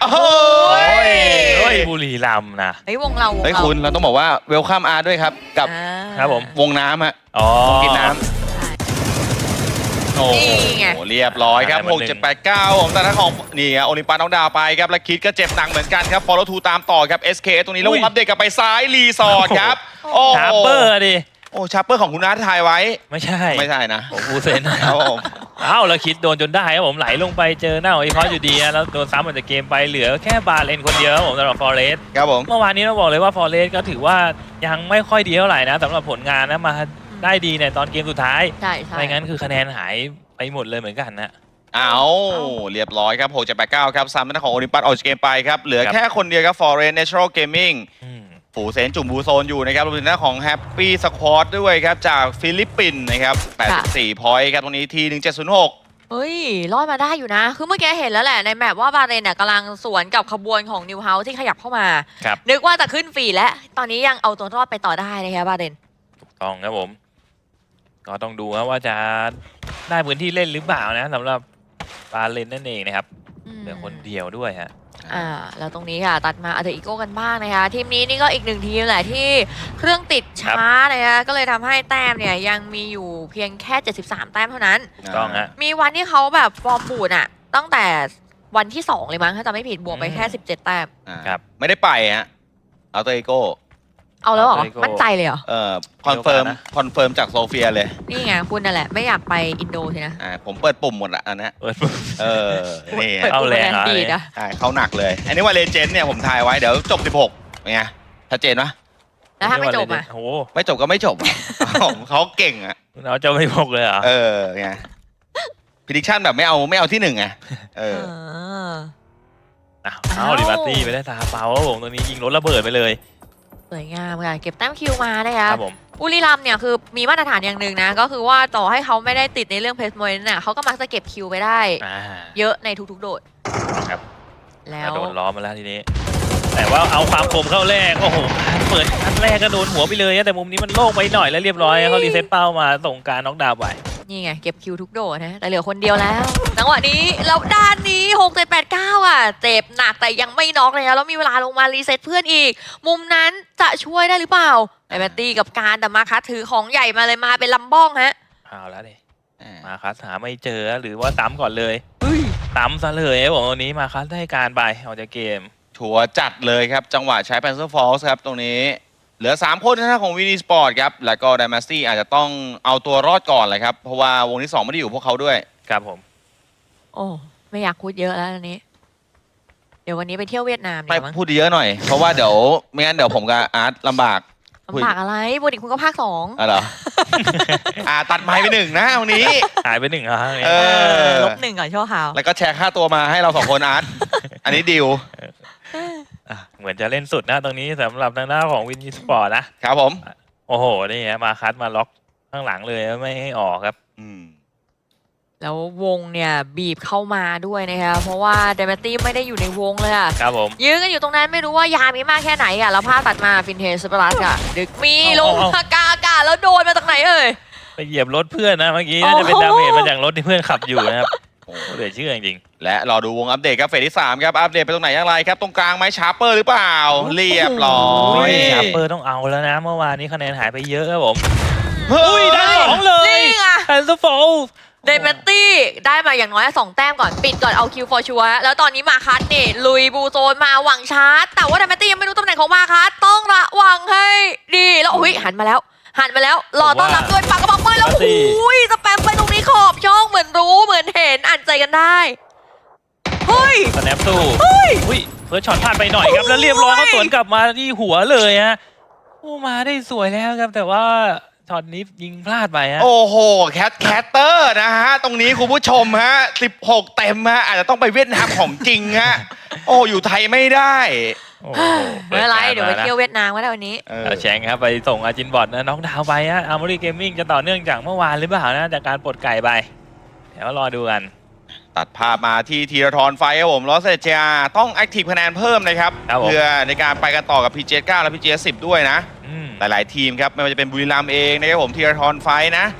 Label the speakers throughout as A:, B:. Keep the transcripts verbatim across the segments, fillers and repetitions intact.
A: โอ้ย
B: เฮ้ยบุรีรัมย์นะ
C: เฮ้ยวงเราวง
A: เฮ้ย
C: เรา
A: คุณเราต้องบอกว่าเวลคัมอาร์ด้วยครับกับ
C: อ่า
B: ครับผม
A: วงน้ำฮะ
B: อ๋อ
A: วงกินน้ำโอ้โห
C: นี่ไง
A: เรียบร้อยครับ
B: ได้มา
A: หก เจ็ด แปด เก้าผมแต่ถ้าของนี่โอลิมปัสน้องดาวไปครับและคิดก็เจ็บหนักเหมือนกันครับฟอลโลทูตามต่อครับ เอส เค ตรงนี้แล้ววงอัปเดตกลับไปซ้ายรีสอร์ทครับโอ้โห
B: ชาร์เปอร์ดิ
A: โอ้ชาร์เปอร์ของคุณนัทถ่ายไว้
B: ไม่ใช่
A: ไม่ใช่นะ
B: ผมฟูเซน
A: ครับผม
B: เอ้าแล้วคิดโดนจนได้ครับผมไหลลงไปเจอหน้าของอีพอสอยู่ดีนะแล้วโดนซ้ำออกจากเกมไปเหลือแค่บาเลนคนเดียวครับผมสำหรับฟอเรส
A: ครับผม
B: เมื่อวานนี้เราบอกเลยว่าฟอเรสก็ถือว่ายังไม่ค่อยดีเท่าไหร่นะสำหรับผลงานนะมาได้ดีในตอนเกมสุดท้าย
C: ใช่ใช่
B: ไม่งั้นคือคะแนนหายไปหมดเลยเหมือนกันนะ
A: เอาเรียบร้อยครับหก เจ็ด แปด เก้าครับซ้ำหน้าของโอลิมปัสออกจากเกมไปครับเหลือแค่คนเดียวครับ Forest Natural Gaming
B: อืม
A: ฝูเซนจุ่มบูโซนอยู่นะครับรวมถึงหน้าของ Happy Squad ด้วยครับจากฟิลิปปินส์นะครับแปดสิบสี่พอยต์ครับตรงนี้ทีหนึ่งเจ็ดศูนย์หก
C: เฮ้ยรอดมาได้อยู่นะ คือเมื่อกี้เห็นแล้วแหละในแมปว่าบาเรนเนี่ยกำลังสวนกับขบวนของนิวเฮาส์ที่ขยับเข้ามา
B: ครับ
C: นึกว่าจะขึ้นฟรีแล้ว ตอนนี้ยังเอาตัวรอดไปต่อได้นะคะบาเรน
B: ถูกต้องครับผม ก็ต้องดูครับว่าจะได้พื้นที่เล่นหรือเปล่านะสำหรับบาเลนนั่นเองนะครับ
C: อืม
B: เหลือคนเดียวด้วยฮะ
C: อ่าแล้วตรงนี้ค่ะตัดมาอัลเทอร์อีโก้กันบ้างนะคะทีมนี้นี่ก็อีกหนึ่งทีมแหละที่เครื่องติดช้านะคะก็เลยทำให้แต้มเนี่ยยังมีอยู่เพียงแค่เจ็ดสิบสามแต้มเท่านั้น
B: ถูกต้องฮะ
C: มีวันที่เขาแบบฟอร์มบูดอะตั้งแต่วันที่สองเลยมั้งถ้าจำไม่ผิดบวกไปแค่สิบเจ็ดแต้ม
A: อ่า
B: ครับ
A: ไม่ได้ไปฮะเอาตัวเอโก้
C: เอาแล้วเหรอ
B: เอาไปโก้
C: มั่นใจเลยเหรอ
A: เอ่อคอนเฟิร์ม
B: เดี๋ยวก่อนนะ
A: คอนเฟิร์มจากโซเฟียเลย
C: นี่ไงคุณนั่นแหละไม่อยากไปอินโดใช่นะ
A: อ่าผมเปิดปุ่มหมดละอันนะ
B: เปิดปุ๊บ
A: เออนี่
C: เปิด
B: เอา
C: ปุ่ม
B: แรง
C: คะแนน
B: เอา
C: ดี
B: เลย
C: นะ
A: ใช่เขาหนักเลย อันนี้ว่าเลเจนด์เนี่ยผมทายไว้เดี๋ยวจบสิบหกเป็นไงชัดเจนปะ
C: แล้วถ้าไม่จบอะ
B: โอ้โห
A: ไม่จบก็ไม่จบอะ เขาเก่งอ่ะ
B: เราจะไม่พกเลยเหรอ
A: เออไงพิดิชั่นแบบไม่เอาไม่เอาที่หนึ่งไงเออ
C: เออ
B: อ้าวเอาลิบัตตี้ไปได้ตาเปล่าครับผมตรงนี้ยิงรถระเบิดไปเลย
C: สวยงามค่ะเก็บแต้มคิวมานะคะ
B: ครับผม
C: บุรีรัมย์เนี่ยคือมีมาตรฐานอย่างหนึ่งนะ ก็คือว่าต่อให้เขาไม่ได้ติดในเรื่องเพสโมนเนี่ยเขาก็มักจะเก็บคิวไปได้
B: อ่า
C: เยอะในทุกๆโดด
B: ครับ
C: แล้
B: ก
C: ว
B: ระโดดล้อมาแล้วทีนี้ แต่ว่าเอาความคมเข้าแรกโอ้โหเปิดนัดแรกก็โดนหัวไปเลยนะแต่มุมนี้มันโล่งไปหน่อยแล้วเรียบร้อยเขารีเซ็ตเป้ามาส่งการน็อกดาวน์ไป
C: นี่ไงเก็บคิวทุกโดดนะแต่เหลือคนเดียวแล้วจังหวะนี้แล้วด้านนี้หก เจ็ด แปด เก้าอ่ะเจ็บหนักแต่ยังไม่น็อกเลยนะแล้วมีเวลาลงมารีเซ็ตเพื่อนอีก มุมนั้นจะช่วยได้หรือเปล่าไอแบตตี้กับการแต่มาคัสถือของใหญ่มาเลยมาเป็นลำบ้องฮะ
B: เอาแล้วดิ
A: อ่า
B: มาคัสหาไม่เจอหรือว่าซ้ำก่อนเลยซ้ำซะเลยครับผมตรงนี้มาคัสได้การไปออกจากเกม
A: ชัวร์จัดเลยครับ จังหวะใช้ Panzer Force ครับตรงนี้ เหลือ สาม คนนะของวินีสปอร์ตครับ แล้วก็ Dynasty อาจจะต้องเอาตัวรอดก่อนเลยครับ เพราะว่าวงที่ สอง ไม่ได้อยู่พวกเขาด้วย
B: ครับผม
C: โอ้ไม่อยากพูดเยอะแล้วอันนี้ เดี๋ยววันนี้ไปเที่ยวเวียดนาม
A: ไป
C: เดี๋ยวมั้ง
A: พูดเยอะหน่อย เพราะว่าเดี๋ยวไม่งั้นเดี๋ยวผมกับอาร์ตลำบาก
C: ลำบากอะไรบุรีคุณก็ภาคสอง
A: อะเหรอ อ่าตัดไม้ไปหนึ่งนะวันนี้
B: หายไปหนึ่งครั้ง
A: เออ
C: ลบหนึ่งก่อนชั่วคราว
A: แล้วก็แชร์ค่าตัวมาให้เราสองคนอาร์ต อันนี้ดิว
B: อ่ะเหมือนจะเล่นสุดนะตรงนี้สำหรับทางด้านของวิน สปอร์ตนะครับ
A: ผม
B: โอ้โหนี่ฮะมาคัสมาล็อกข้างหลังเลยไม่ให้ออกครับ
A: อืม
C: แล้ววงเนี่ยบีบเข้ามาด้วยนะคะเพราะว่าเดมตี้ไม่ได้อยู่ในวงเลยอะ
B: ครับผม
C: ยื้อกันอยู่ตรงนั้นไม่รู้ว่ายามีมากแค่ไหนอะแล้วภาพตัดมาฟินเทสเปอรัสค่ะ ดึกมีลงมากาอากาศแล้วโดนมาจากไหนเอ่ย
B: ไปเหยียบรถเพื่อนนะเมื่อกี้น่าจะเป็น
C: โอ้โห
B: ดาเมจมาจากรถที่เพื่อนขับอยู่นะครับโอ้โหเหลือเชื่อจริง
A: และรอดูวงอัปเดตครับเฟสที่สามครับ อัปเดตไปตรงไหนอย่างไรครับ ตรงกลางไหมชาร์เปอร์หรือเปล่า เรียบร้อ
B: ๆโอ้
A: ย
B: ยชาร์เปอร์ต้องเอาแล้วนะเมื่อวานนี้คะแนนหายไปเยอะครับผม
A: เฮ้ย
B: ได้สองเลย
C: นี่ไง
B: แอนซ์โฟล
C: เดมตี้ได้มาอย่างน้อยสองแต้มก่อนปิดก่อนเอาคิวฟอร์ชัวแล้วตอนนี้มาคัสนี่ลุยบูโซนมาหวังชาร์จแต่ว่าเดมตี้ยังไม่รู้ตำแหน่งของมาคัสต้องระวังให้ดีแล้วอุ้ยหันมาแล้ว หันมาแล้วรอต้อนรับด้วยปากกระบอกปืนแล้วโอ้ยสแปมไปตรงนี้ขอบช่องเหมือนรู้เหมือนเห็นอ่านใจกันได้เฮ้ย
B: สแนปสู้อุ้ยเฟิร์สช็อตพลาดไปหน่อยครับแล้วเรียบร้อยเขาสวนกลับมาที่หัวเลยฮะโอ้มาได้สวยแล้วครับแต่ว่าช็อตนี้ยิงพลาดไปฮะ
A: โอ้โห แคทแคตเตอร์นะฮะ ตรงนี้คุณผู้ชมฮะ สิบหก เต็มฮะ อาจจะต้องไปเวียดนามของจริงฮะ โอ้ อยู่ไทยไม่ได้
B: โอ้โห
C: ไม่เป็นไรเดี๋ยวไปเที่ยวเวียดนามก็ได้วันนี้
A: เออ
B: เอาแชงครับไปส่งอาจินบอดนะน้องดาวไปฮะอาร์มอรี่เกมมิ่งจะต่อเนื่องจากเมื่อวานหรือเปล่านะจากการปลดไก่ไป เดี๋ยวรอดูกัน
A: ตัดภาพมาที่ธีรทรไฟครับผมลอสเซเจียต้องแอคทีฟคะแนนเพิ่มนะครับ
B: ครับผม
A: เพื่อในการไปกันต่อกับ พี จี เอส เก้า และ พี จี เอส สิบ ด้วยนะ
B: อืม
A: หลายๆทีมครับ ไม่ว่าจะเป็นบุรีรัมย์เองนะครับผมธีรทรไฟนะ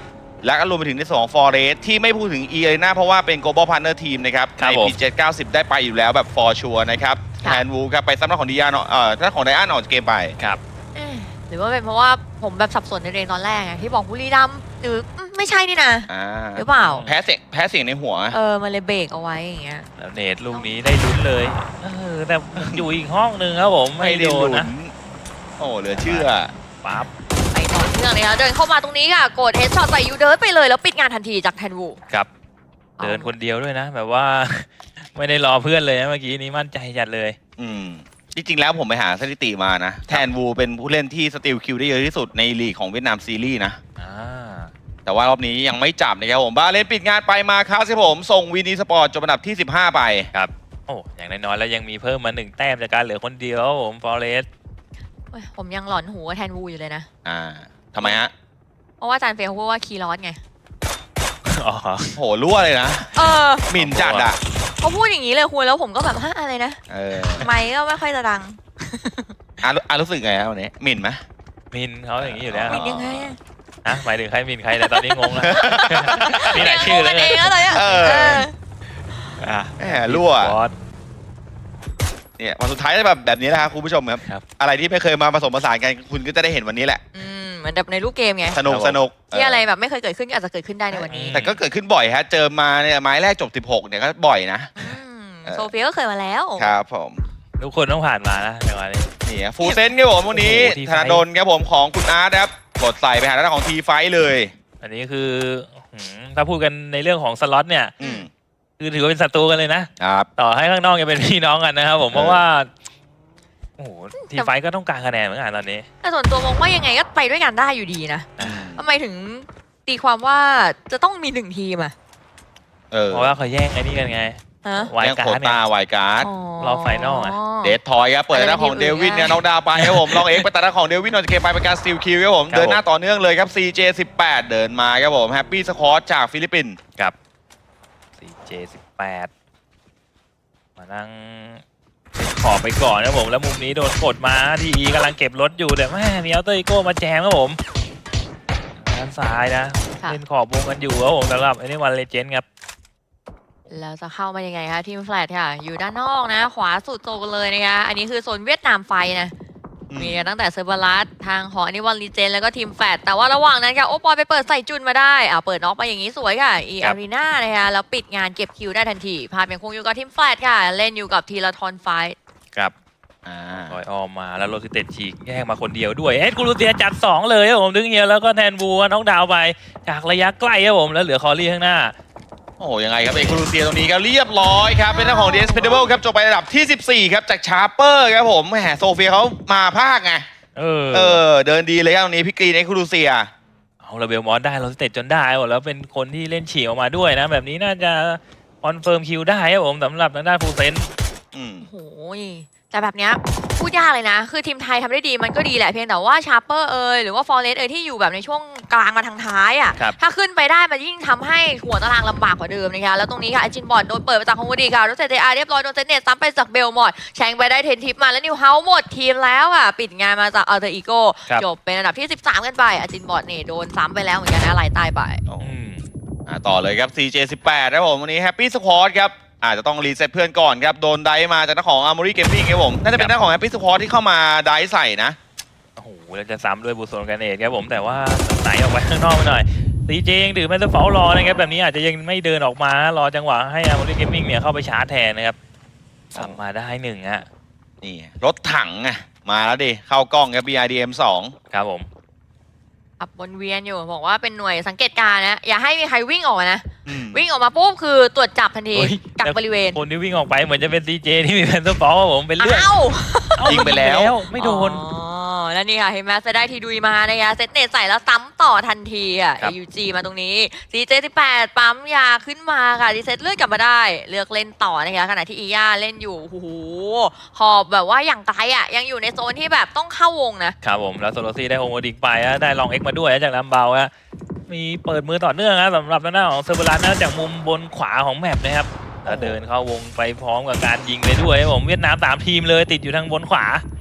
A: และก็รวมไปถึงในส่วนของ Forest ที่ไม่พูดถึง E Arena เพราะว่าเป็น Global Partner Team นะครับ
B: ครับ
A: ใน
B: ผม
A: พี เจ็ด เก้าสิบ ได้ไปอยู่แล้วแบบ for sure นะครับ
C: ค่ะ
A: แทนวูครับไปซ้ำหน้าของดิยานเอ่อท่านของไดอันออกจากเกมไป
B: ครับ
C: เอ๊ะหรือว่าเป็นเพราะว่าผมแบบสับสนในเรงตอนแรกไงที่บอกบุรีรัมย์หรืออืมไม่ใช่นี่นะ
A: อ่า
C: หรือเปล่า
A: แพ้เสียงแพ้เสียงในหัว
C: เออมันเลยเบรกเอาไว้อย่างเงี้ย
B: แล้วเนตลูกนี้ได้ลุ้นเลยเออแต่อยู่อีกห้องหนึ่งครับผมไม่โดนนะ
A: โอ้เหลือเชื่อ
B: ปั๊บ
C: ไปต่อเนื่องเลยค่ะเดินเข้ามาตรงนี้ค่ะกดเฮดช็อตใส่ยูเดิร์ไปเลยแล้วปิดงานทันทีจากแทนวู
B: ครับเดินคนเดียวด้วยนะ แบบว่า ไม่ได้รอเพื่อนเลยนะเมื่อกี้นี้มั่นใจจัดเลย
A: อืมจริงๆแล้วผมไปหาสถิติมานะ แทนวูเป็นผู้เล่นที่สติลคิวได้เยอะที่สุดในลีกของเวียดนามซีรีส์นะ
B: อ่า
A: แต่ว่ารอบนี้ยังไม่จับนะครับผมบาเลนปิดงานไปมาครับสิผม ส่งวินีสปอร์ตจบอันดับที่สิบห้าไป
B: ครับโอ้อย่างน้อยๆแล้วยังมีเพิ่มมาหนึ่งแต้มจากการเหลือคนเดียวครับผมฟอเรส
C: เว้ยผมยังหลอนหูกับแทนวูอยู่เลยนะ
A: อ่าทำไมฮะ
C: เพราะว่าอาจารย์เฟลเขาพูดว่าคีย์ลอสไง
B: อ๋อ
A: โหรั่วเลยนะ
C: เออ
A: หมิ่นจัดอ่ะ
C: เขาพูดอย่างนี้เลยคุณแล้วผมก็แบบฮะอะไรนะ
A: เออ
C: ไม่ก็ไม่ค่อยจะดัง
A: อ่ะรู้อ่ะรู้สึกไงครับวันนี้หมิ่นไหม
B: มินเขาอย่างนี้อยู่แล้ว
C: มินยังไงอะ
B: อ่ะหมายถึงใครมินใครแต่ยตอนนี้งงแล้ว มีหลายชื่อเลย
C: งงกันเองแล้วเลยอะ
A: เออ
C: เออ
B: อ่ะ
A: แหมรั่ว
B: บอส
A: เนี่ยวันสุดท้ายจะแบบแบบนี้แหละครับคุณผู้ชมครับ
B: ครับ
A: อะไรที่ไม่เคยมาผสมผสานกันคุณก็จะได้เห็นวันนี้แหละ
C: อืมเหมือนแบบในรูปเกมไง
A: สนุก
B: ครับผม
A: สนุก
C: ที่อะไร
A: เออ
C: แบบไม่เคยเกิดขึ้นก็อาจจะเกิดขึ้นได้ในวันนี้
A: แต่ก็เกิดขึ้นบ่อยฮะ เจอมาเนี่ยไม้แรกจบสิบหกเนี่ยก็บ่อยนะ
C: อืม
A: เออ
C: โซเฟียก็เคยมาแล้ว
A: ครับผม
B: ทุกคนต้องผ่านมานะจังหวะนี้
A: นี่ฟูเซนครับผมวันนี้
B: โอ้โห ที
A: ธ
B: ไฟท์
A: นาดลครับผมของคุณอาร์ตครับกดใส่ไปหาด้านของทีไฟท์เลย
B: อันนี้คือหืมถ้าพูดกันในเรื่องของสล็อตเนี่ย
A: อืม
B: คือถือว่าเป็นศัตรูกันเลยนะ
A: ครับ
B: ต่อให้ข้างนอกยังเป็นพี่น้องกันนะครับผม
A: เออ
B: เพราะว่า โอ้โหทีมไฟท์ก็ต้องการคะแนนเหมือนกันตอนนี้
C: แต่ส่วนตัวมองว่ายังไงก็ไปด้วยกันได้อยู่ดีนะ
A: อืม
C: ทำไมถึงตีความว่าจะต้องมีหนึ่งทีมอะ
A: เออ
B: เพราะว่าเขาแย่งไอ้นี่กันไง
C: ฮะ
B: วาย
A: ยัง
B: กา
A: โค
B: ร์ดเนี่
A: ตาย วายการ์ด
B: รอบไฟนอลอะ
A: เดททอยครับเปิดด้านของเดวินเนี่ยน็อกดาวน์ไปครับผมลองเอ็กไปตัดด้านของเดวินออกจากเกมไปเป็นการสตีลคิวครับผม
B: ครับ
A: เดินหน้าต่อเนื่องเลยครับ ซี เจ สิบแปด เดินมาครับผมแฮปปี้สควอตจากฟิลิปปินส์
B: กับ ซี เจ สิบแปด มานั่งขอบไปก่อนนะผม แล้วมุมนี้โดนกดมาทีอีกำลังเก็บรถอยู่แต่แม่มีอัลเตอร์อีโก้มาแจมครับผมด้านซ้ายนะ
C: ค่ะ
B: เล่นขอบวงกันอยู่ครับผมสำหรับไอ้นี่วันเลเจนด์ครับ
C: แล้วจะเข้ามายังไงคะทีมแฟลตค่ะ อยู่ด้านนอกนะ ขวาสุดโซนเลยนะคะ อันนี้คือโซนเวียดนามไฟนะ
A: อืม
C: มีตั้งแต่เซอร์เบอรัสทางของอันนี้วันลีเจนแล้วก็ทีมแฟดแต่ว่าระหว่างนั้นค่ะโอปอยไปเปิดใส่จุนมาได้อ่าเปิดน็อกมาอย่างนี้สวยค่ะอี
B: ครั
C: อา
B: บ
C: รีนานะคะแล้วปิดงานเก็บคิวได้ทันทีภาพยังคงอยู่กับทีมแฟดค่ะ เล่นอยู่กับทีละทอนไฟท์
B: ครับ
A: อ่า
B: ลอยออมมาแล้วโรซิเต็ดฉีกแยกมาคนเดียวด้วย เอ็ดกูรูเซียจัดสองเลยครับผมดึงเฮียแล้วก็แทนบูน้องดาวไปจากระยะใกล้ครับผมแล้วเหลือคอรี่ข้างหน้า
A: โอ้โหยังไงครับเอกคูลูเซียตรงนี้ก็เรียบร้อยครับเป็นด้านของเดสเพเดเบิลครับจบไประดับที่สิบสี่ครับจากชาร์เปอร์ครับผมแหมโซเฟียเขามาภาคไง
B: เออ
A: เออเดินดีเลยครับตรงนี้พี่กรีนเอกคูลูเซีย
B: เอาระเบลมอสได้โรซิเต็ดจนได้หมดแล้วเป็นคนที่เล่นฉีกออกมาด้วยนะ แบบนี้น่าจะคอนเฟิร์มคิวได้ครับผมสำหรับทางด้านฟูเซน
A: อืม
C: โอ้โหแต่แบบเนี้ยพูดยากเลยนะ คือทีมไทยทำได้ดีมันก็ดีแหละเพียงแต่ว่าชาร์เปอร์เอยหรือว่าฟอร์เรสเอยที่อยู่แบบในช่วงกลางมาทางท้ายอ่ะ
B: ครับ
C: ถ้าขึ้นไปได้มันยิ่งทำให้หัวตารางลำบากกว่าเดิมนะคะแล้วตรงนี้ค่ะไอจินบอลโดนเปิดมาจากฮงโกดีค่ะรถเซตอาร์เรียบร้อยโดนเซตเนตซ้ำไปจากเบลมอดแชงไปได้เทนทิปมาแล้วนิวเฮาส์หมดทีมแล้วอ่ะปิดงานมาจากอัลเตอร์อีโก้
B: ครับ
C: จบเป็นอันดับที่สิบสามกันไปอาจินบอลนี่โดนซ้ำไปแล้วเหมือนกันนะไหลตายไป
B: อืม
A: อ่าต่อเลยครับ ซี เจ สิบแปดครับผมวันนี้แฮปปี้สควอตครับอาจจะต้องรีเซ็ตเพื่อนก่อนครับโดนไดฟ์มาจากหน้าของอาร์มอรี่เกมมิ่งครับผมน่าจะเป็นหน้าของแฮปปี้สควอตที่เข้ามาไดฟ์ใส่นะ
B: โอ้โหแล้วจะซ้ำด้วยบูโซนกันเองครับผมแต่ว่าไหนออกไปข้างนอกไปหน่อยซีเจยังถือแมสเตอร์เฟลรอนะครับแบบนี้อาจจะยังไม่เดินออกมารอจังหวะให้อาร์มอรี่เกมมิ่งเนี่ยเข้าไปชาร์จแทนนะครับสับมาได้หนึ่งฮะ
A: นี่รถถังไงมาแล้วดิเข้ากล้องครับ บี ไอ ดี เอ็ม สอง
B: ครับผม
C: ขับวนเวียนอยู่บอกว่าเป็นหน่วยสังเกตการณ์นะอย่าให้มีใครวิ่งออกมานะ
A: อืม
C: วิ่งออกมาปุ๊บคือตรวจจับทันที
B: เฮ้ย
C: กักบริเวณ
B: คนที่วิ่งออกไปเหมือนจะเป็นซีเจที่มีแมสเตอร์เฟลครับผมเป็นเลือด
C: อ้าว
B: เอ้า
A: ยิงไปแล้ว
B: ไม่โดน
C: อ๋อแล้วนี่ค่ะเห็นไหมจะได้ทีดุยมานะคะเซตเนตใส่แล้วซ้ำต่อทันทีอ่ะ
B: ครับ
C: ยูจีมาตรงนี้ ซี เจ สิบแปดปั๊มยาขึ้นมาค่ะดีเซตเลือดกลับมาได้ เลือกเล่นต่อนะคะขณะที่อีย่าเล่นอยู่โอ้โหหอบแบบว่าอย่างไกลอ่ะยังอยู่ในโซนที่แบบต้องเข้าวงนะครับ
B: ผมแล้วโซโลซี่ได้โฮโมดิกไปฮะได้ลองเอ็กมาด้วยฮะจากลำเบาฮะมีเปิดมือต่อเนื่องนะสำหรับหน้าของเซอร์เบรัสนะจากมุมบนขวาของแมปนะครับแล้วเดินเข้าวงไปพร้อมกับการยิงไปด้วยครับผมเวียดนามสามทีมเลยติดอยู่ทางบนขวา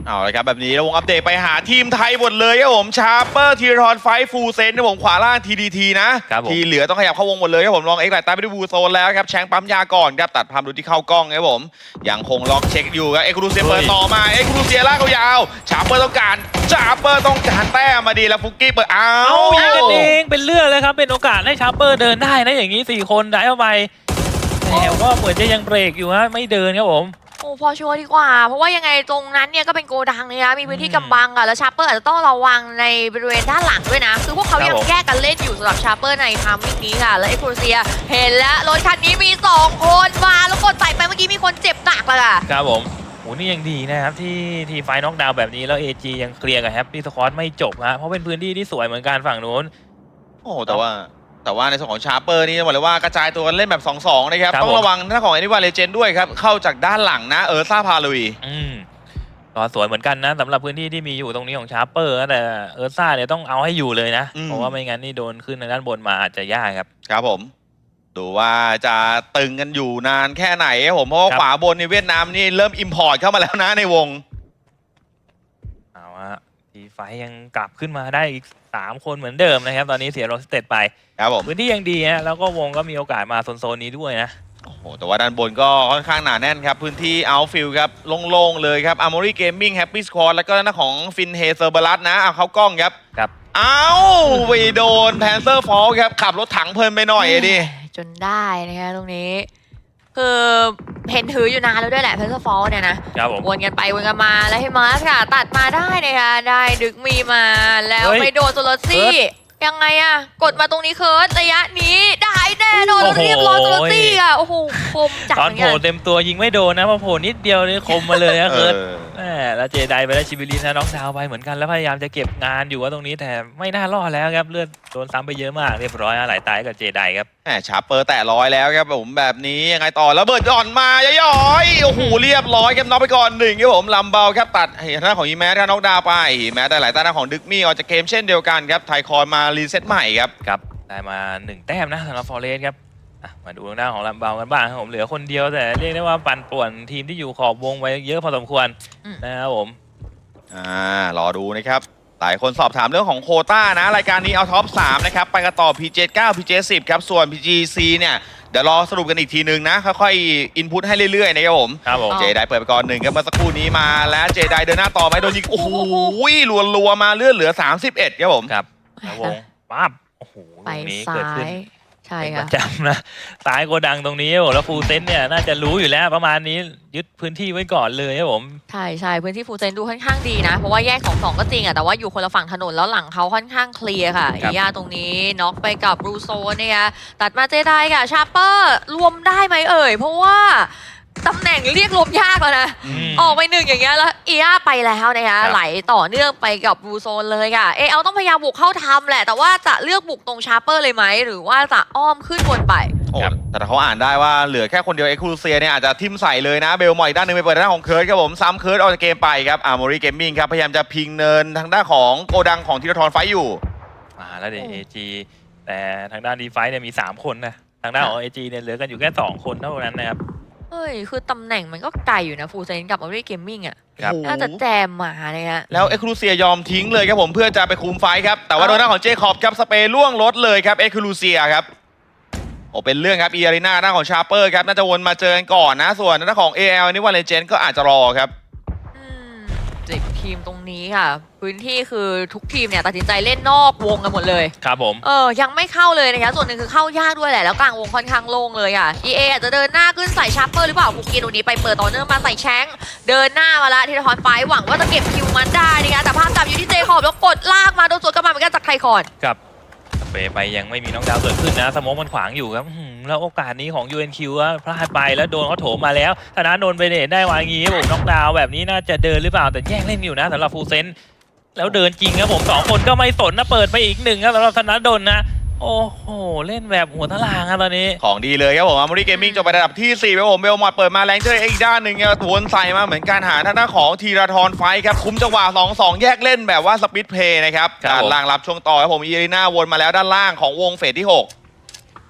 A: เอาละครับแบบนี้เราวงอัปเดตไปหาทีมไทยหมดเลยครับผมชาร์เปอร์ทีรอนไฟฟูเซนนะผมขวาล่าง ที ดี ที นะครับ
B: ผม
A: ที่เหลือต้องขยับเข้าวงหมดเลยครับผมลองเอ็กไลท์ตามไปด้วยบูโซนแล้วครับแชงปั๊มยาก่อนครับตัดภาพดูที่เข้ากล้องครับผมยังคงล็อกเช็คอยู่ครับเอ็กซ์ครูเซียเปิดต่อมาเอ็กซ์ครูเซียลากยาวชาร์เปอร์ต้องการชาร์เปอร์ต้องการแต้มมาดีแล้วฟุกกี้เปิดอ้า
B: เอา
A: ว
B: ยิงกันเองเป็นเรื่องเลยครับเป็นโอกาสให้ชาร์เปอร์เดินได้นะอย่างนี้สี่คนได้เข้าไปแต่ว่าเหมือนจะยังเบรกอยู่ฮะไม่เดินครับผม
C: โอ้พอชัวร์ดีกว่า เพราะว่ายังไงตรงนั้นเนี่ยก็เป็นโกดังเลยนะมีพื้นที่กำบังอะแล้วชาร์เปอร์อาจจะต้องระวังในบริเวณด้านหลังด้วยนะ คือพวกเขายังแยกกันเล่นอยู่สำหรับชาร์เปอร์ในทามมิ่งนี้ค่ะ แล้วเอ็กโครเซียเห็นแล้วรถคันนี้มีสองคนมาแล้วกดใส่ไปเมื่อกี้มีคนเจ็บหนักเลยอะ
B: ครับผมโหนี่ยังดีนะครับที่ที่ไฟน็อกดาวน์แบบนี้แล้ว เอ จี ยังเคลียร์กับแฮปปี้สควอตไม่จบฮะเพราะเป็นพื้นที่ที่สวยเหมือนกันฝั่งนู้น
A: โอ้แต่ว่าแต่ว่าในส่วนของชาร์เปอร์นี่บอกเลยว่ากระจายตัวกันเล่นแบบ สองสอง นะครับ
B: ครับ
A: ต้องระวังหน้าของแอนิวาเลเจนด้วยครับเข้าจากด้านหลังนะเออร์ซ่าพาลุย
B: อืมก็สวยเหมือนกันนะสำหรับพื้นที่ที่มีอยู่ตรงนี้ของชาร์เปอร์แต่เออร์ซ่าเนี่ยต้องเอาให้อยู่เลยนะ
A: อืม
B: เพราะว่าไม่งั้นนี่โดนขึ้นทางด้านบนมาอาจจะยากครับ
A: ครับผมดูว่าจะตึงกันอยู่นานแค่ไหนครับผมเพราะว่า
B: ครับ
A: ขวาบนในเวียดนามนี่เริ่มอิมพอร์ตเข้ามาแล้วนะในวง
B: เอาฮะทีไฟยังกลับขึ้นมาได้อีกสามคนเหมือนเดิมนะครับ ตอนนี้เสียโรสเตตไป
A: ครับผม
B: พื้นที่ยังดีฮะแล้วก็วงก็มีโอกาสมาโซนๆนี้ด้วยนะ
A: โอ้โหแต่ว่าด้านบนก็ค่อนข้างหนาแน่นครับ พื้นที่เอาฟิลครับโล่งๆเลยครับอาร์มอรี่เกมมิ่งแฮปปี้สควอตแล้วก็หน้าของฟินเฮเซอร์เบลัสนะเอาเข้ากล้องครับ
B: ครับ
A: เอาไปโดนแพนเซอร์ฟอลครับขับรถถังเพลินไปหน่อยดิ
C: จนได้นะคะตรงนี้ คือเห็นถืออยู่นานแล้วด้วยแหละเพนเซอร์ฟอลเนี่ยนะครับ
B: ผม
C: วนกันไปวนกันมาแล้วให้มาสค่ะ ตัดมาได้นะคะได้ดึกมีมาแล้ว
B: เฮ้ย
C: ไปโดนโซโลซี่
B: เคิร์
C: ยังไงอะกดมาตรงนี้เคิร์ดระยะนี้ได้แน่นอน
B: โอ้โห
C: เรียบร้อยโซโลซี่อะโอ้โหคมจัด
B: ตอน
C: เหมือน
B: โผ
C: กั
B: ล่
C: น
B: เต็มตัวยิงไม่โดนนะพอโผล่นิดเดียวนี่คมมาเลยนะ
A: เอ
B: เคิร์ด
A: อ
B: แหมแล้วเจไดไปได้ชิบิลินนะน้องดาวไปเหมือนกันแล้วพยายามจะเก็บงานอยู่ว่าตรงนี้แต่ไม่น่ารอดแล้วครับเลือดโดนซ้ำไปเยอะมากเรียบร้อยนะหลายตายกับเจไดครับ
A: แหมชาร์เปอร์แตะร้อยแล้วครับผมแบบนี้ยังไงต่อแล้วเบิดอ่อนมาย่อยๆโอ้โหเรียบร้อยครับน็อกไปก่อนหนึ่งครับผมลำเบาครับตัดเห็นหน้าของอีแมสครับน็อกดาวน์ไปแม้แต่หลายตาหน้าของดึกมี่ออกจากเกมเช่นเดียวกันครับไทคอนมารีเซ็ตใหม่ครับ
B: ครับได้มาหนึ่งแต้มนะสำหรับฟอร์เรสครับอ่ะมาดูทางด้านของลำเบากันบ้างครับผมเหลือคนเดียวแต่เรียกได้ว่าปั่นป่วนทีมที่อยู่ขอบวงไว้เยอะพอสมควร
C: อืม
B: นะครับผม
A: อ่ารอดูนะครับหลายคนสอบถามเรื่องของโควต้านะรายการนี้เอาท็อปสามนะครับไปกันต่อ พี เจ เก้า พี เจ สิบ ครับส่วน พี จี ซี เนี่ยเดี๋ยวรอสรุปกันอีกทีนึงนะค่อยๆอินพุตให้เรื่อยๆนะครับผม
B: ครับผม
C: อ๋อ
A: เจไดเปิดไปก่อนหนึ่งครับเมื่อสักครู่นี้มาแล้วเจไดเดินหน้าต่อไหมโดนยิงโอ้โหรัวๆมาเลือดเหลือสามสิบเอ็ดครับผม
B: ครับแล้ววงปั๊บโอ้โห
C: ไป
B: ตรงนี้
C: ซ้า
B: เกิดขึ้น
C: ยใช่
B: เป็นป
C: ค่ะ
B: ระจำนะซ้ายโกดังตรงนี้ครับผมแล้วฟูลเซนเนี่ยน่าจะรู้อยู่แล้วประมาณนี้ยึดพื้นที่ไว้ก่อนเลยครับผม
C: ใช่ใช่พื้นที่ฟูลเซนดูค่อนข้างดีนะ เพราะว่าแยกสองสองก็จริงอะแต่ว่าอยู่คนละฝั่งถนนแล้วหลังเขาค่อนข้างเคลียร์ค่ะ
B: ครับ
C: อียาตรงนี้น็อกไปกับบรูโซเนี่ยตัดมาเจไดค่ะชาร์เปอร์รวมได้ไหมเอ่ย เพราะว่าตำแหน่งเรียกรวมยากแล้วนะ
B: ม
C: ออกไปหนึ่งอย่างเงี้ยแล้วอียาไปแล้วนะคะ
B: ครับ
C: ไหลต่อเนื่องไปกับบรูโซนเลยค่ะ เอเอาต้องพยายามบุกเข้าทำแหละ แต่ว่าจะเลือกบุกตรงชาร์เปอร์เลยไหมหรือว่าจะอ้อมขึ้นบนไป
A: โอ้
B: ครับ
A: แต่เขาอ่านได้ว่าเหลือแค่คนเดียวเอ็กซ์คลูเซียเนี่ยอาจจะทิมใส่เลยนะเบลมอยอีกด้านหนึงไปเปิดด้านของเคิร์ดครับผมซ้ำเคิร์ดออกจากเกมไปครับอาร์มอรี่เกมมิ่งครับพยายามจะพิงเนินทางด้านของโกดังของธีรทรไฟท์อยู่
B: มาแล้วเดี๋ยว
C: โอ้
B: เอจีแต่ทางด้านดีไฟเนี่ยมีสามคนนะทางด้านของเอจีเนี่ยเหลือกันอยู่แค่สองคนเท่านั้นนะครับ
C: เฮ้ยคือตำแหน่งมันก็ไกลอยู่นะฟูลเซนกับออรี่เกมมิ่งอะ
B: ครับ
A: โอ้โห
C: น่าจะแจมมาเลยฮะ
A: แล้วเอ็กซ์คลูเซียยอมทิ้งเลยครับผมเพื่อจะไปคุมไฟท์ครับแต่ว่า
C: เอ้า
A: โดนหน้าของเจคอบครับสเปรย์ล่วงรถเลยครับเอ็กซ์คลูเซียครับโอ้เป็นเรื่องครับอีอารีนาหน้าของชาร์เปอร์ครับน่าจะวนมาเจอกันก่อนนะส่วนหน้าของ เอ แอล นี่ว่าเลเจนด์ก็อาจจะรอครับ
C: อืมสิบทีมตรงนี้ค่ะ พื้นที่คือทุกทีมเนี่ยตัดสินใจเล่นนอกวงกันหมดเลย
B: ครับผม
C: เออ ยังไม่เข้าเลยนะคะ ส่วนหนึ่งคือเข้ายากด้วยแหละ แล้วกลางวงค่อนข้างโล่งเลยอ่ะ อี เอ อาจจะเดินหน้าขึ้นใส่ชาร์เปอร์หรือเปล่าบุกกินตรงนี้ไปเปิดต่อเนื่องมาใส่แชงเดินหน้ามาละทีละทอนไฟหวังว่าจะเก็บคิวมันได้นะคะแต่ภาพจับอยู่ที่เจคอบแล้วกดลากมาโดนสวนกลับมาเหมือนกันจากไทคอน
B: ครับสเปรย์ไปยังไม่มีน้องดาวเกิดขึ้นนะสโมองมันขวางอยู่ครับอื้อหือแล้วโอกาสนี้ของ ยู เอ็น คิว อะพลาดไปแล้วโดนเขาโถมมาแล้วธนาโดนไปเดทได้วางอย่างงี้ครับผมน้องดาวแบบนี้น่าจะเดินหรือเปล่าแต่แย่งเล่นอยู่นะสำหรับฟูลเซนแล้วเดินจริงครับผมสองคนก็ไม่สนนะเปิดไปอีกหนึ่งครับสำหรับธนาดลนะโอ้โหเล่นแบบหัวตารางครับตอนนี้
A: ของดีเลยครับผมอาร์มอรี่เกมมิ่งจบไประดับที่สี่ครับผมเบลมอดเปิดมาแรงเจออีกด้านหนึ่งเนี่ยวนใส่มาเหมือนการหาทางด้านของธีรทรไฟท์ครับคุมจังหวะสองสองแยกเล่นแบบว่าสปีดเพลย์นะครับ
B: ครับ
A: ด้าน
B: ผม
A: ล่างรับช่วงต่อครับผมอีอารีนาวนมาแล้วด้านล่างของวงเฟสที่หก
C: โ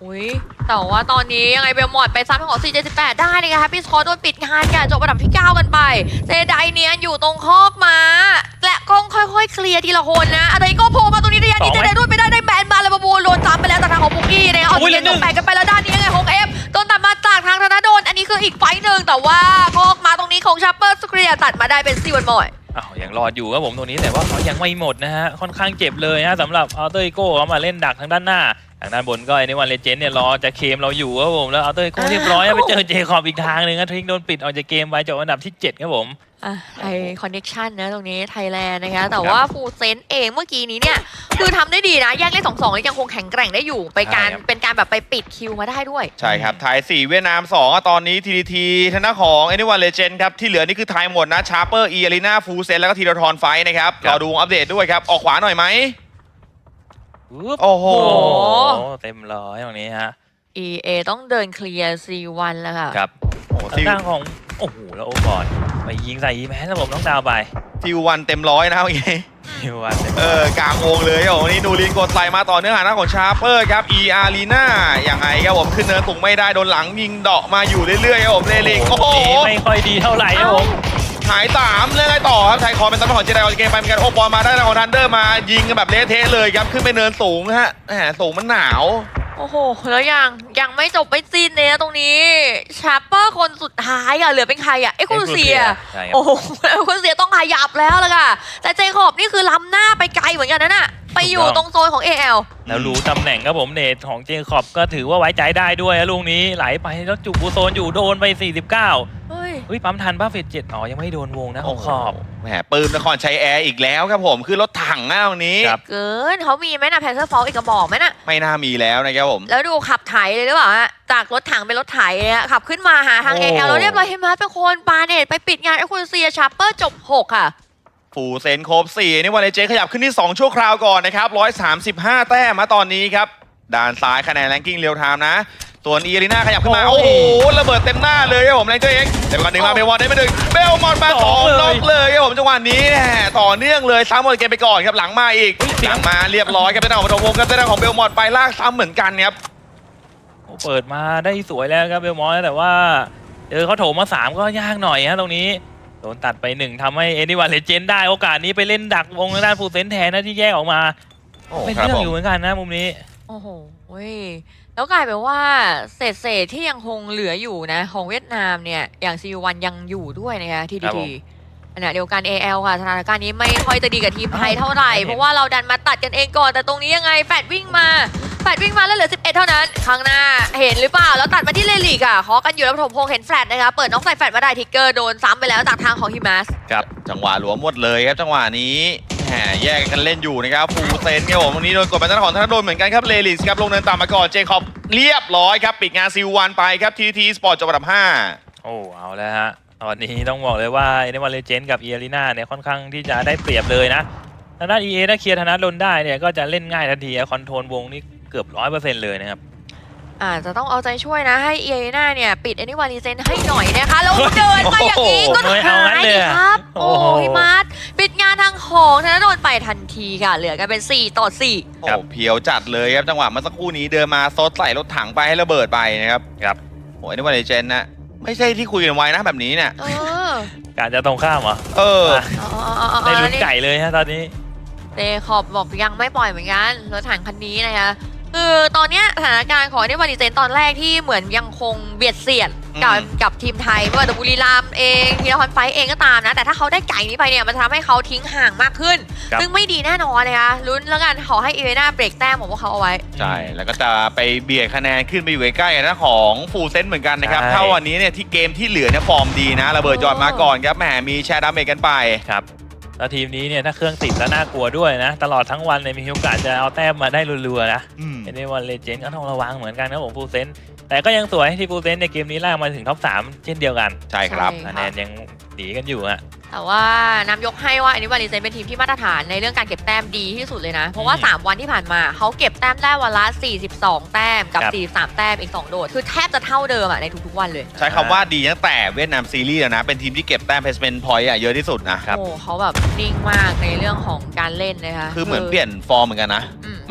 C: อุ้ยแต่ว่าตอนนี้ยังไงเบลมอดไปซ้ำของ ซี เจ สิบแปด ได้เลยค่ะพี่สกอร์โดนปิดงานกันจบอันดับที่ เก้า กันไปเจไดเนียนอยู่ตรงคอกม้าและก็ค่อยๆเคลียร์ทีละคนนะอะไรก็โผล่มาตรงนี้ระยะนี้เจไดรุ่นไปได้ได้แบนมาแล้วมาบูโดนซ้ำไปแล้วจากทางของบุกกี้เนี่ยเอาเจนตกแปดกันไปแล้วด้านนี้ยังไงของเอฟโดนตัดมาจากทางธนาโดนอันนี้คืออีกไฟต์หนึ่งแต่ว่าคอกม้าตรงนี้ของชาร์เปอร์สเคลียร์ตัดมาได้เป็นซีวันมอย
B: อ้าวยังรอดอยู่ครับผมตรงนี้แต่ว่าเขายังไม่หมดนะฮะค่อนข้างเจ็บเลยฮะสำหรับอัลเตอร์อีโก้เขามาเล่นดักทางด้านหน้าทางด้านบนก็ไอ้นี่วันเลเจนด์เนี่ยรอจะเคมเราอยู่ครับผมแล้วอัลเตอร์อีโก้เรียบร้อยไปเจอเจคอบอีกทางหนึ่งครับทริกโดนปิดออกจากเกมไปจบอันดับที่เจ็ดครับผม
C: อ่ะไอคอนเน็กชันนะตรงนี้ไทยแลนด์นะคะแต่ว่าฟูเซนเองเมื่อกี้นี้เนี่ยคือทำได้ดีนะแยกเล่นสองสองยังคงแข็งแกร่งได้อยู่ไปการ
B: ใช่ครับ
C: เป็นการแบบไปปิดคิวมาได้ด้วย
A: ใช่ครับไทยสี่เวียดนามสองอ่ะตอนนี้ ที ดี ที ทางด้านของไอ้นี่วันเลเจนด์ครับที่เหลือนี่คือไทยหมดนะชาร์เปอร์อีอารีนาฟูเซนแล้วก็ทีรทรไฟท์นะครับรอดูอัปเดตด้วยครับออกขวาหน่อยไหม
B: อุ๊บ
A: โอ้โห
B: โอ้โหเต็มร้อยตรงนี้ฮะ
C: อี เอ ต้องเดินเคลียร์ ซี วัน แล้วค่ะ
B: ครับ
A: โอ้โห
B: ทา
A: ซิ
B: ง
A: ล
B: ด้านของโอ้โหแล้วโอ้ก่อนไปยิงใส่อีแมนแล้วผมต้องดาวไป
A: ซิลวันเต็มร้อยนะครับเมื่อกี้
B: ฮิววันเต็ม
A: เออกลางวงเลยครับผมวันนี้นูรินกดไหลมาต่อเนื่องหาหน้าของชาร์เปอร์ครับอีอารีนาอย่างไงครับผมขึ้นเนินสูงไม่ได้โดนหลังยิงเดาะมาอยู่เรื่อยๆครับผมเลลิกโอ้โห
B: ไม่ค่อยดีเท่าไหร่ครับผม
A: หายสามเล่นไงต่อครับไทยคอเป็นตำแหน่งของเจไดออกจากเกมไปเหมือนกันโอ้บอลมาได้ทางของทันเดอร์มายิงกันแบบเละเทะเลยครับขึ้นไปเนินสูงฮะแหมสูงมันหนาว
C: โอ้โห แล้วยังยังไม่จบไม่สิ้นเลยนะตรงนี้ชาร์เปอร์คนสุดท้ายอะเหลือเป็นใครอะเอ็กซ์คลูเซีย
B: ใช่ครับ
C: โอ้โหเอ็กซ์คลูเซียต้องขยับแล้วล่ะค่ะแต่เจคอบนี่คือล้ำหน้าไปไกลเหมือนกันนะน่ะไปอยู่ตรงโซนของ เอ แอล
B: แล้วรู้ตำแหน่งครับผมเนทของเจคอบก็ถือว่าไว้ใจได้ด้วยนะลูกนี้ไหลไปแล้วจุกบูโซนอยู่โดนไปสี่สิบเก้า
C: เฮ้ย
B: อุ้ยปั๊มทันป้าเฟดเจ็ดอ๋อยังไม่โดนวงนะของขอบ
A: แหมปืนนครชัยแอร์อีกแล้วครับผมคือรถถังหน้าตรงนี้
B: ครับ
C: เกินเขามีไหมนะแพนเซอร์ฟอลอีกกระบอกไหมน่ะ
A: ไม่น่ามีแล้วนะครับผม
C: แล้วดูขับไถเลยหรือเปล่าฮะจากรถถังเป็นรถไถเลยฮะขับขึ้นมาหาทาง
B: โอ้
C: เอ แอลแล้วเรียบร้อยเห็นไหมเป็นคนปาเนตไปปิดงานเอ็กซ์คลูเซียชาร์เปอร์จบหกค่ะ
A: ฟูเซนครบสี่นี่วันเลเจนขยับขึ้นที่สองชั่วคราวก่อนนะครับหนึ่งร้อยสามสิบห้าแต้มมาตอนนี้ครับด้านซ้ายคะแนนแรงกิ้งเรียลไทม์นะส่วนอีอารีนาขยับขึ้นมา
B: โอ้
A: โอ้
B: ย
A: โหระเบิดเต็มหน้าเลยครับผมแรงตัวเองเดี๋ยวก่อนหนึ่งมาเบลวอนได้ไปหนึ่งเบลมอนมาสอง
B: สองเลย
A: น็อกเลยครับผมจังหวะนี้แหมต่อเนื่องเลยซ้ำหมดเกมไปก่อนครับหลังมาอีกหลังมาเรียบร้อยครับเป็นทางของปฐมวงศ์ครับเป็นทางของเบลมอนไปลากซ้ำเหมือนกันครับ
B: โอ้เปิดมาได้สวยแล้วครับเบลมอนแต่ว่าเจอเขาโถมมาสามก็ยากหน่อยฮะตรงนี้โดนตัดไปหนึ่งทำให้เอ็นดี้วันเลเจนได้โอกาสนี้ไปเล่นดักวงทางด้านฟูเซนแทนนะที่แยกออกมา
A: โอ้
B: เป็น
A: ครับ
B: เรื่อง
A: ผม
B: อยู่เหมือนกันนะมุมนี้
C: โอ้โหเว้ยแล้วกลายเป็นว่าเศษเศษๆที่ยังคงเหลืออยู่นะของเวียดนามเนี่ยอย่างซีวันยังอยู่ด้วยนะคะที
B: ครั
C: ดี
B: บผ
C: ที
B: ม
C: ขณะเดียวกัน เอ แอล ค่ะสถานการณ์นี้ไม่ค่อยจะดีกับทีมไทยเท่าไหร่
B: อ้าว
C: เพราะว่าเราดันมาตัดกันเองก่อนแต่ตรงนี้ยังไงแฟดวิ่งมาแฟดวิ่งมาแล้วเหลือสิบเอ็ดเท่านั้นข้างหน้าเห็นหรือเปล่าแล้วตัดมาที่เลลิกอ่ะเคาะกันอยู่แล้วปฐมพงษ์เห็นแฟลตนะคะเปิดน้องใส่แฟลตมาได้ทิกเกอร์โดนซ้ำไปแล้วจากทางของฮิมัส
B: ครับ
A: จังหวะหลวมหมดเลยครับจังหวะนี้แหมแยกกันเล่นอยู่นะครับฟูเซนครับผมวันนี้โดนกดไปทางของธนดลเหมือนกันครับเลลิสครับลงเนินต่ำมาก่อนเจคอบเรียบร้อยครับปิดงานซิลวันไปครับทีทีสปอร์ตจบอันดับห้า
B: โอ้เอาแล้วฮะตอนนี้ต้องบอกเลยว่าเอ็นดี้วันเลเจนกับเออารีนาเนี่ยค่อนข้างที่จะได้เปรียบเลยนะทางด้าน อี เอ ถ้าเคลียร์ธนาดลได้เนี่ยก็จะเล่นง่ายทันทีคอนโทรลวงนี่เกือบร้อยเปอร์เซ็นต์เลยนะครับ
C: อาจจะต้องเอาใจช่วยนะให้เอเอน่าเนี่ยปิด Anyone Legend ให้หน่อยนะคะแล้วเดินมาอย่างนี้ก็
B: โอ้โห
C: หายดิครับ
B: โอ้
C: โอ้
B: โห
C: ฮิมัสปิดงานทางของธนดลไปทันทีค่ะเหลือกันเป็นสี่ต่อสี่
A: โอ้เพียวจัดเลยครับจังหวะเมื่อสักครู่นี้เดินมาซดใส่รถถังไปให้ระเบิดไปนะครับ
B: ครับ
A: โอ้ยนี่วันเลเจนนะไม่ใช่ที่คุยกันไว้นะแบบนี้เนี่ย
C: เออ
B: การจะตรงข้ามเหรอ
A: เออ
B: อ่ะ
C: อ๋ออ๋ออ๋ออ๋อ
B: ได้ลุ้นไก่เลยฮะตอนนี้
C: เดคอบบอกยังไม่ปล่อยเหมือนกันรถถังคันนี้นะคะคือตอนเนี้ยสถานการณ์ของ Anyone Legend ตอนแรกที่เหมือนยังคงเบียดเสียดกับ
A: อืม
C: กับทีมไทยไม่ว่าจะบุรีรัมย์เองทีละครไฟท์เองก็ตามนะแต่ถ้าเขาได้ไก่นี้ไปเนี่ยมันจะทำให้เขาทิ้งห่างมากขึ้น
B: ครับ
C: ซึ่งไม่ดีแน่นอนนะคะลุ้นแล้วกันขอให้เอเวน่าเบรกแต้มของพวกเขาเอาไว้
A: ใช่ แล้วก็จะไปเบียดคะแนนขึ้นไปอยู่ใกล้ๆกันนะของฟูลเซนเหมือนกันนะครับ
B: ใช่
A: ถ้าวันนี้เนี่ยที่เกมที่เหลือเนี่ยฟอร์มดีนะระเบิดจอดมาก่อนครับแหมมีแชร์ดาเมจกันไป
B: ครับแล้วทีมนี้เนี่ยถ้าเครื่องติดแล้วน่ากลัวด้วยนะ ตลอดทั้งวันเนี่ยมีโอกาสจะเอาแต้มมาได้รัวๆนะ
A: อืม
B: เอ็นดี้วันเลเจนก็ต้องระวังเหมือนกันนะผมฟูเซนแต่ก็ยังสวยที่ฟูเซนในเกมนี้ล่ากมาถึงท็อปสามเช่นเดียวกัน
A: ใช่ครับ
C: ใช่
B: คะแนนยังหนีกันอยู่ฮะ
C: แต่ว่านำยกให้ว่า Anyone Legend เป็นทีมที่มาตรฐานในเรื่องการเก็บแต้มดีที่สุดเลยนะ เพราะว่า
B: อืม
C: สาม วันที่ผ่านมาเขาเก็บแต้มได้วันละ สี่สิบสอง แต้มกับ
B: ครับ
C: สี่สิบสาม แต้มอีก สอง โดด คือแทบจะเท่าเดิมอะในทุกๆวันเลย
A: ใช้คำว่าดีตั้งแต่เวียดนามซีรีส์แล้วนะ เป็นทีมที่เก็บแต้มเพสเมนพอยต์อะเยอะที่สุดนะ
B: ครับ
C: โอ้เขาแบบนิ่งมากในเรื่องของการเล่นนะคะ
A: คือเหมือนเปลี่ยนฟอร์มเหมือนกันนะ
C: อืม
A: ม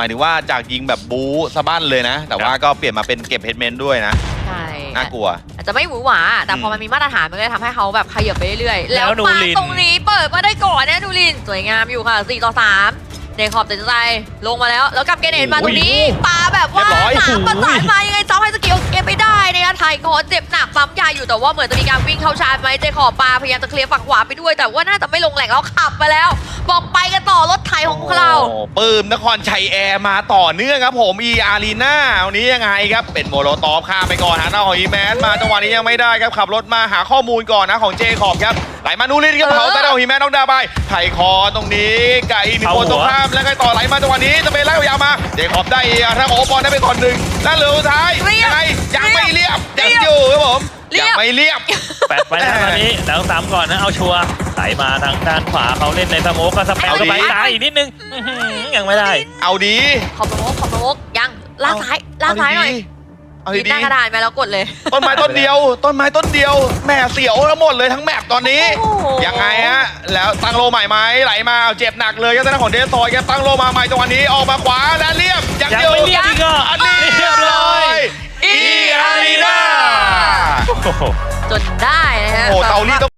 A: มายถึงว่าจากยิงแบบบู๊สะบั้นเลยนะ แต่ว่าก็เปลี่ยนมาเป็นเก็บเฮดเมนต์ด้วยนะ
C: ใช่
A: น่ากลัว
C: อาจจะไม่หวือหวาแต่พอ
A: อืม
C: มันมีมาตรฐานมันก็เลยทำให้เขาแบบขยับไปเรื่อยๆ
B: แล้
C: แล้ว
B: วนู
C: มา
B: ริน
C: ตรงนี้เปิดมาได้ก่อนนะนูรินสวยงามอยู่ค่ะสี่ต่อสามเดคอบตัดสินใจลงมาแล้วแล้วกับเกเนตมาตรงนี้ปาแบบว่า
A: เรียบร้อย
C: สามประสานมายังไงซ้ำให้สกิลเก็บไม่ได้นะคะไทยคอนเจ็บหนักซ้ำยาอยู่แต่ว่าเหมือนจะมีการวิ่งเข้าชาร์จไหมเจคอบปาพยายามจะเคลียร์ฝั่งขวาไปด้วย แต่ว่าน่าจะไม่ลงแหล่งแล้วขับมาแล้ว บอกไปกันต่อรถไถของเรา
A: โอ้ปื้มนครชัยแอร์มาต่อเนื่องครับผมอีอารีนาวันนี้ยังไงครับเป็นโมโลตอฟข้ามไปก่อนหาหน้าของอีแมนมาจังหวะนี้ยังไม่ได้ครับขับรถมาหาข้อมูลก่อนนะของเจคอบครับไหลมานูรินครับ
C: เออ
A: เผาแต่เอาอีแมนน้องดาไปไถคอตรงนี้ไก่มีคนตรงข้ามแล้วไงต่อไหลมาจังหวะนี้จะเป็นไล่ยาวมาเจคอบได้ทางของโอปอลได้ไปก่อนหนึ่งด้านเหลือสุดท้ายยังไงยังไม่เรียบยังอยู่ครับผมยังไม่เรียบ
B: แปดไปนะตอนนี้แล้วสามก่อนนะเอาชัวร์ไหลมาทางด้านขวาเขาเล่นในสโมกก็สเปม
A: เอาดิ
B: เข้าไปซ้ายอีกนิดนึงอื้อหือยังไม่ได้
A: เอาดี
C: ขอบโมกขอบโมกยังลากซ้ายลากซ้ายหน่อย
A: เอา
C: ยิง
A: ดี
C: หน้ากระดานไปแล้วกดเลย
A: ต้นไม้ต้นเดียว ต้นไม้ต้นเดียวแหม่เสียวทั้งหมดเลยทั้งแมปตอนนี้
C: โอ้โห
A: ยังไงฮะแล้วตั้งโลใหม่ไหมไหลมาเอาเจ็บหนักเลยครับทางด้านของเดสซอยครับตั้งโลมาใหม่จังหวะนี้ออกมาขวาและเรียบยัง
B: ยัง
A: อยู่
B: ไม่เรียบอีกเหรอ
A: อันนี้เรียบร้อยอีอารีนา
B: โอ้โห
C: จนได้นะฮะ
A: โอ้โหเตารีดต้อง